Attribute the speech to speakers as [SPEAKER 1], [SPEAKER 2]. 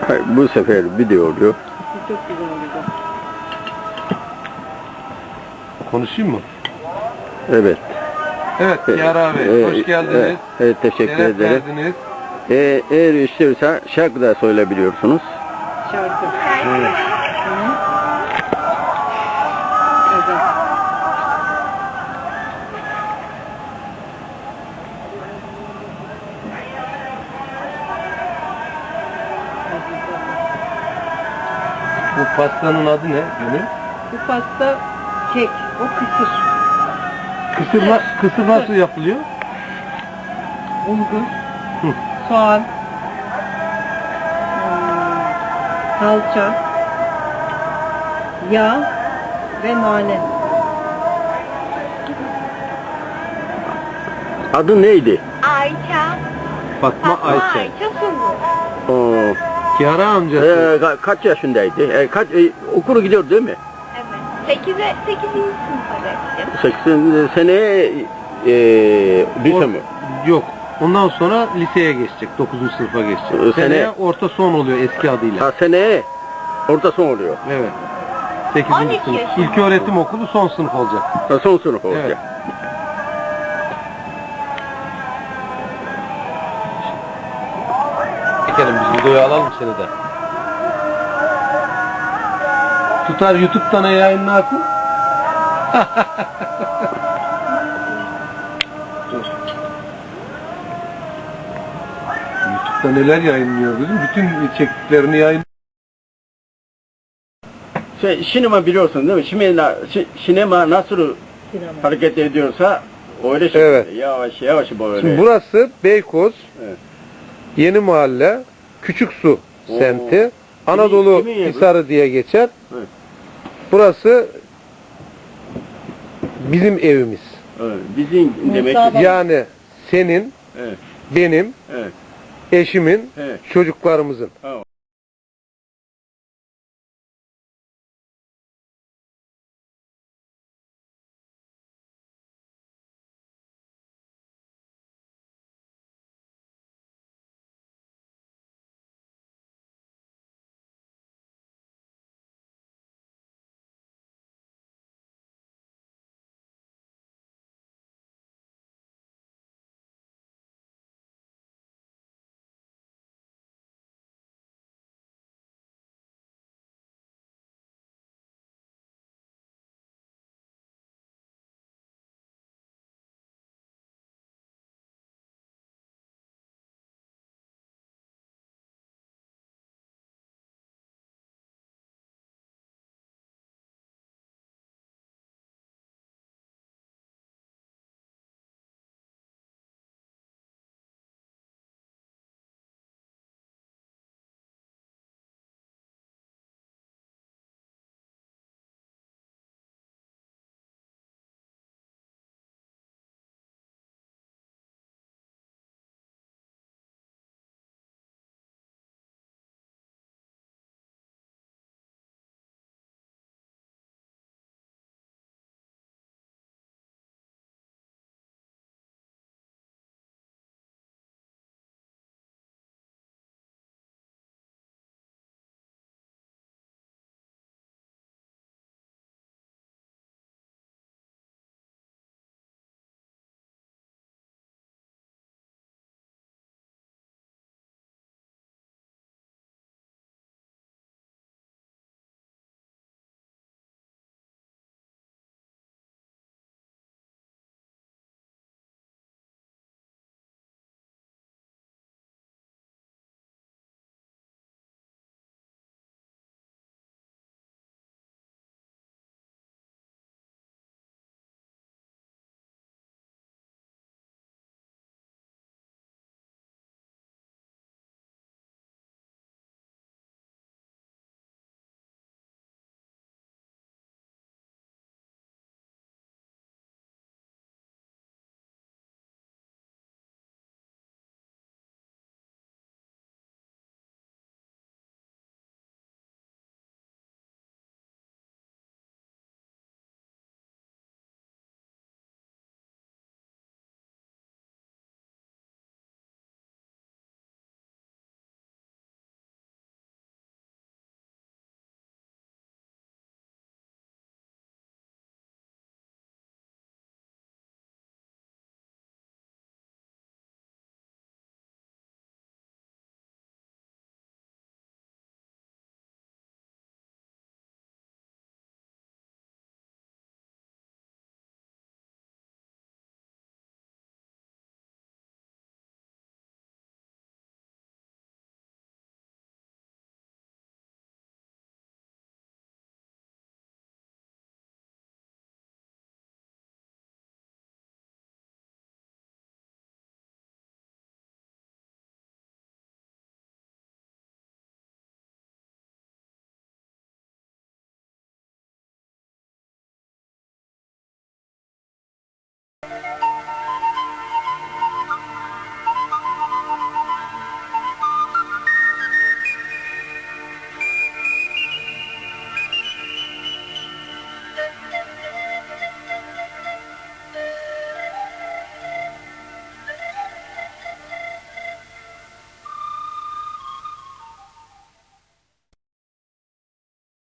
[SPEAKER 1] Bu sefer video oluyor.
[SPEAKER 2] Çok güzel oldu.
[SPEAKER 3] Konuşayım mı?
[SPEAKER 1] Evet.
[SPEAKER 3] Evet Yara Bey, hoş geldiniz.
[SPEAKER 1] Evet, teşekkür
[SPEAKER 3] Şeref
[SPEAKER 1] ederim.
[SPEAKER 3] verdiniz.
[SPEAKER 1] Eğer istiyorsa şarkı da söyleyebiliyorsunuz.
[SPEAKER 2] Şarkı.
[SPEAKER 3] Evet.
[SPEAKER 2] Güzel.
[SPEAKER 3] Bu pastanın adı ne? Gönül?
[SPEAKER 2] Bu pasta kek. O kısır.
[SPEAKER 3] Kısır nasıl yapılıyor?
[SPEAKER 2] Bulgur.
[SPEAKER 3] Hı.
[SPEAKER 2] Soğan. Salça. Yağ. Ve nane.
[SPEAKER 1] Adı neydi?
[SPEAKER 4] Ayça.
[SPEAKER 3] Fatma Ayça.
[SPEAKER 4] Ayça Sungur.
[SPEAKER 1] Oo,
[SPEAKER 3] Yara amcası.
[SPEAKER 1] kaç yaşındaydı? Okula gidiyor değil mi?
[SPEAKER 4] Evet. 8. sınıfa geçtim.
[SPEAKER 1] 8 sene lise mi?
[SPEAKER 3] Yok. Ondan sonra liseye geçecek. 9. sınıfa geçecek. Seneye orta son oluyor eski adıyla.
[SPEAKER 1] Ha, seneye orta son oluyor.
[SPEAKER 3] Evet. 8.
[SPEAKER 4] 12
[SPEAKER 3] sınıf.
[SPEAKER 4] yaşında.
[SPEAKER 3] İlköğretim okulu son sınıf olacak.
[SPEAKER 1] Ha, son sınıf olacak.
[SPEAKER 3] Evet. Çekelim biz videoyu alalım seni de. Tutar YouTube'dan yayınlarsın. Dur. YouTube'da neler yayınlıyor bizim? Bütün çektiklerini yayın.
[SPEAKER 1] Sinema biliyorsun değil mi? Sinema nasıl
[SPEAKER 2] Sinema.
[SPEAKER 1] hareket ediyorsa öyle şey.
[SPEAKER 3] Evet.
[SPEAKER 1] Yavaş yavaş böyle.
[SPEAKER 3] Şimdi burası Beykoz,
[SPEAKER 1] Evet.
[SPEAKER 3] Yeni Mahalle, Küçüksu
[SPEAKER 1] Oo.
[SPEAKER 3] semti. Anadolu
[SPEAKER 1] Kimin yeri?
[SPEAKER 3] Hisarı diye geçer.
[SPEAKER 1] Evet.
[SPEAKER 3] Burası bizim evimiz.
[SPEAKER 1] Evet. Bizim demek
[SPEAKER 2] Musa
[SPEAKER 1] ki.
[SPEAKER 2] bak-
[SPEAKER 3] Yani senin,
[SPEAKER 1] Evet.
[SPEAKER 3] benim,
[SPEAKER 1] Evet.
[SPEAKER 3] eşimin,
[SPEAKER 1] Evet.
[SPEAKER 3] çocuklarımızın.
[SPEAKER 1] Ha,